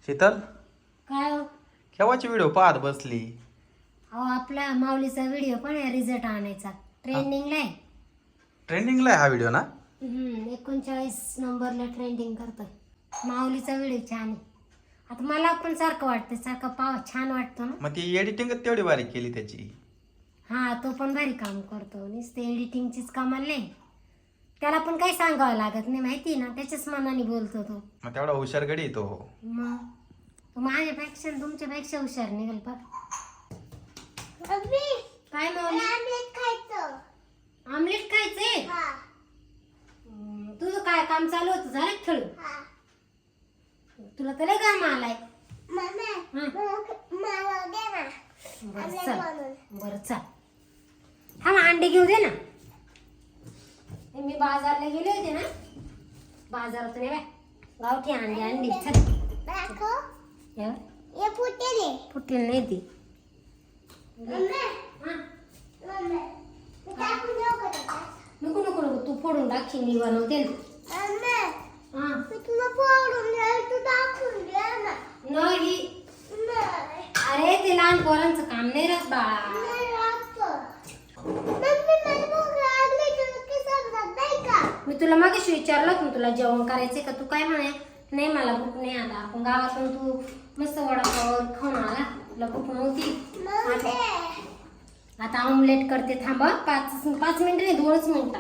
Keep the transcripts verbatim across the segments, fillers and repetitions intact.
शीतल काय हो? केव्हाची व्हिडिओ पाहत बसली? अहो आपला माऊलीचा व्हिडिओ पण आहे रिझल्ट आणायचा ट्रेंडिंगला आहे. ट्रेंडिंगला आहे हा व्हिडिओ ना? हम्म एकोणचाळीस नंबरला ट्रेंडिंग करतोय. माऊलीचा व्हिडिओ छान आहे. आता मला पण सारखं वाटतं सारखं पाव छान वाटतं ना. मग ती एडिटिंगच तेवढी बारीक केली त्याची. हा तो पण भारी काम करतो. नुसते एडिटिंगचीच कामाला नाही, त्याला पण काही सांगावं लागत नाही माहिती ना, त्याच्याच मनाने बोलतो तो. मग तेवढा हुशार गडी तो. मग तो माझ्यापेक्षा आणि तुमच्यापेक्षा हुशार निघेल बघ. काय माऊली? आमलेट खायचं. आमलेट खायचंय? हा हम्म, तुझं काय काम चालू होतं झालं खेळू? हा तुला तर लय काम आलाय. मम्मी हं. मला मला दे ना बरं आमलेट चल बनवून. बरं चल हा मग अंडे घेऊ दे ना. हे मी बाजारला गेले होते ना, बाजारातून ये बाय गावठी अंडे अंडी चल. दाखव. या ये फुटेले. फुटेल नाही ती. मम्मी हा मम्मी मी टाकून देऊ का त्याच्यात? नको नको नको तू फोडून टाकशील, मी बनवते ना. मम्मी हा मी तुला फोडून दे, तू टाकून दे ना. नाही नाही अरे ते लहान पोरांचं काम नाही राहत बाळा. नाही लागतं. मम्मी मला भूक लागली, तुला की समजत नाही का? मी तुला मागेशी विचारलं होतं ना, तुला जेवण करायचंय का? तू काय म्हणे नाही मला भूक नाही. आता आपण गावातून तू मस्त वडापाव खाऊन आला, तुला भूक नव्हती. मम्मी आता ऑमलेट करते थांब हं. पाच पाच मिनिटं नाही दोनच मिनिटात.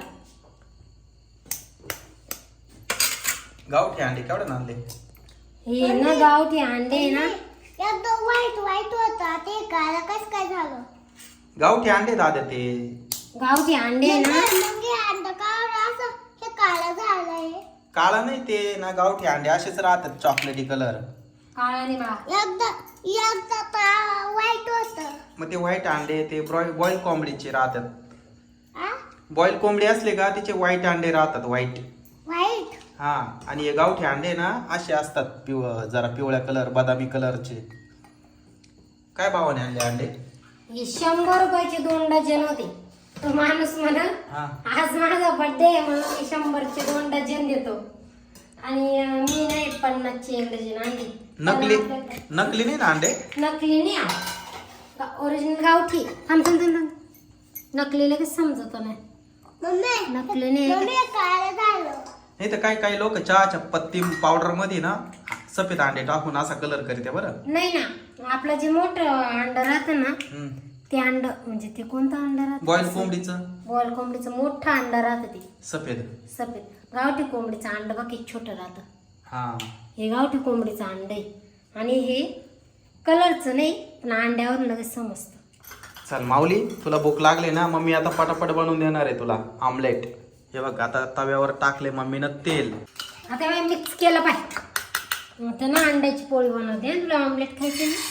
गावठी अंडे केवढे आणले? हे ना गावठी अंडे आहे ना. एकदम वाईट वाईट होता ते काला कसं काय झालं? गावठी अंडे दादा ते. गावठी अंडे आहे ना. मग हे अंड काढ असं हे काळं झालंय. काळा नाही ते ना, गावठी अंडे असेच राहतात चॉकलेटी कलर. काळा नाही बा. एकदा एकदा तर वाईट होतं. मग ते व्हाईट अंडे ते बॉईल कोंबडीचे राहतात. आ? बॉईल कोंबडी असले का तिचे व्हाईट अंडे राहतात व्हाईट. वाईट? हा आणि हे गावठी अंडे ना असे असतात पिव जरा पिवळ्या कलर बदामी कलरचे. काय भावाने आणले अंडे? हे शंभर रुपयाचे दोन डझन होते. तो माणूस म्हणा हा आज माझा बर्थडे आहे म्हणून मी शंभरचे दोन डझन देतो आणि अं, मी नाही पन्नासचे एक डझन आणली. नकली पण आपल्याकडे- नकली नाही ना अंडे? नकली नाही ओरिजिनल गावठी. थांब थांब थांब थांब. नकली लगेच समजत नाही. मम्मी नकली नाही. मम्मी हे काळं झालं. नाही तर काही काही लोक चहाच्या पत्ती पावडर मध्ये ना सफेद अंडे टाकून असा कलर करते बरं. नाही ना, आपलं जे मोठं अंड राहतं ना हम्म. ते अंड म्हणजे ते कोणतं अंड राहतं? बॉईल कोंबडीचं बॉईल कोंबडीचं मोठं अंड राहतं ते सफेद. सफेद. गावठी कोंबडीचं अंड बाकी छोटं राहतं. हा हे गावठी कोंबडीचं अंड आहे आणि हे कलरचं नाही पण अंड्यावर लगेच समजतं. चल माऊली तुला भूक लागली ना, मम्मी आता पटापट बनवून देणार आहे तुला आमलेट. हे बघ आता तव्यावर टाकले मम्मीनं तेल. आता मी मिक्स केलं पाहिजे. आता ना अंड्याची पोळी बनवते हं. तुला ऑमलेट खायचे ना?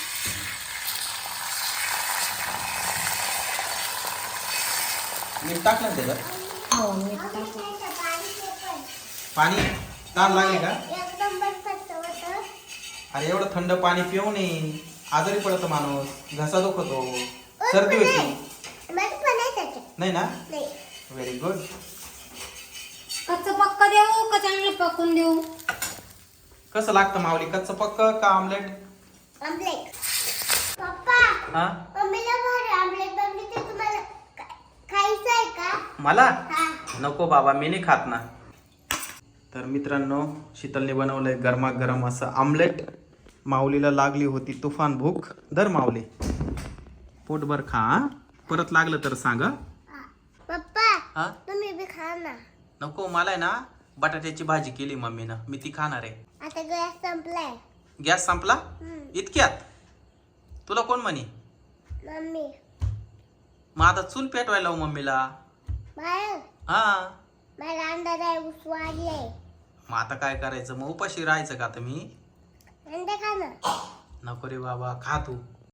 मीठ टाकलं ना त्याच्यात? हो मीठ टाकू. त्याचं पाणी ते पण. पाणी ताण लागले का? एकदम बरफाचं होतं. अरे एवढं थंड पाणी पिऊ नये, आजारी पडतो माणूस, घसा दुखतो, सर्दी होती. बरं पण आहे त्याच्यात. नाही ना? नाही. Very good. कच्चं पक्का देऊ का चांगलं पकून देऊ? कसं लागतं माऊली, कच्चं पक्क का आमलेट? आमलेट. पप्पा हा मम्मीला भारी आमलेट बनवते, तुम्हाला खा- खायचं आहे का? मला हा. नको बाबा, मी नाही खात ना. तर मित्रांनो शीतलने बनवलंय गरमागरम असं आमलेट. माऊलीला लागली होती तुफान भूक. दर माऊली पोटभर खा हं? परत लागलं तर सांग हं? हा. पप्पा हा तुम्ही बी खा ना. नको, मला आहे ना बटाट्याची भाजी केली मम्मीनं, मी ती खाणार आहे. आता गॅस संपलाय. गॅस संपला हम्म. इतक्यात? तुला कोण म्हणे? मम्मी मग आता चूल पेटवायला लावू मम्मीला. बाहेर हा मला अंडा नाही उसवाडले. मग आता काय करायचं, मग उपाशी राहायचं का आता मी? अंडे खा ना. नको रे बाबा, खा तू.